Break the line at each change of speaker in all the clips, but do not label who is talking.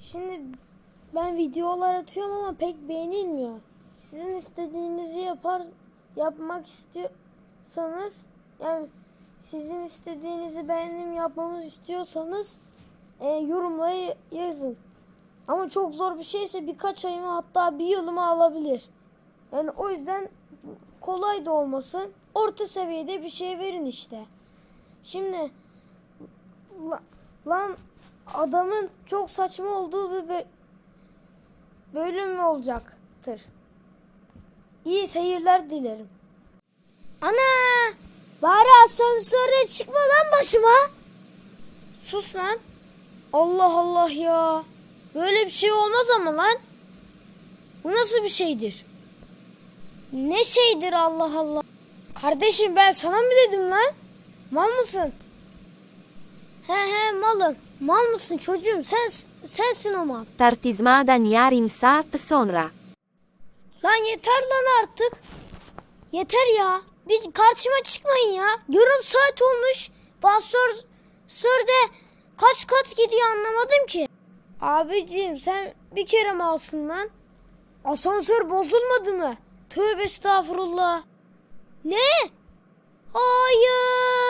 Şimdi ben videolar atıyorum ama pek beğenilmiyor. Sizin istediğinizi yapmak istiyorsanız, yani sizin istediğinizi benim yapmamızı istiyorsanız yorumlara yazın. Ama çok zor bir şeyse birkaç ayımı, hatta bir yılımı alabilir. Yani o yüzden kolay da olmasın, orta seviyede bir şey verin işte. Şimdi lan adamın çok saçma olduğu bir bölüm olacaktır. İyi seyirler dilerim. Ana! Bari asansörde çıkma lan başıma. Sus lan. Allah Allah ya. Böyle bir şey olmaz ama lan. Bu nasıl bir şeydir? Ne şeydir Allah Allah. Kardeşim ben sana mı dedim lan? Mal mısın? He malım. Mal mısın çocuğum? Sensin o mal.
Tartizmadan yarım saat sonra.
Lan yeter lan artık. Yeter ya. Bir karşıma çıkmayın ya. Yarım saat olmuş. Asansörde kaç kat gidiyor anlamadım ki. Abicim sen bir kere mi alsın lan? Asansör bozulmadı mı? Tövbe estağfurullah. Ne? Hayır.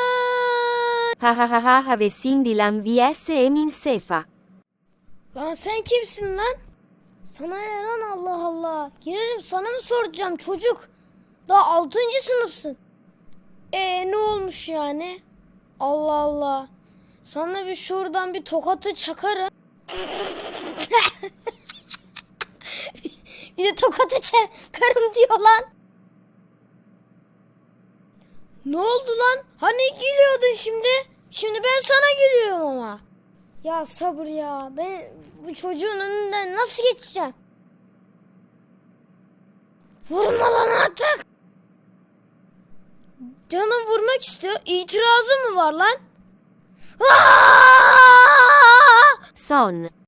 Ha havesin dilan vs emin sefa.
Lan sen kimsin lan? Sana ne lan Allah Allah. Girerim sana mı soracağım çocuk? Daha 6. sınıfsın. Ne olmuş yani? Allah Allah. Sana bir şuradan bir tokatı çakarım. Bir de tokatı çakarım diyor lan. Ne oldu lan? Hani gülüyordun şimdi? Şimdi ben sana gülüyorum ama. Ya sabır ya. Ben bu çocuğun önünden nasıl geçeceğim? Vurma lan artık. Canım vurmak istiyor. İtirazı mı var lan?
Son.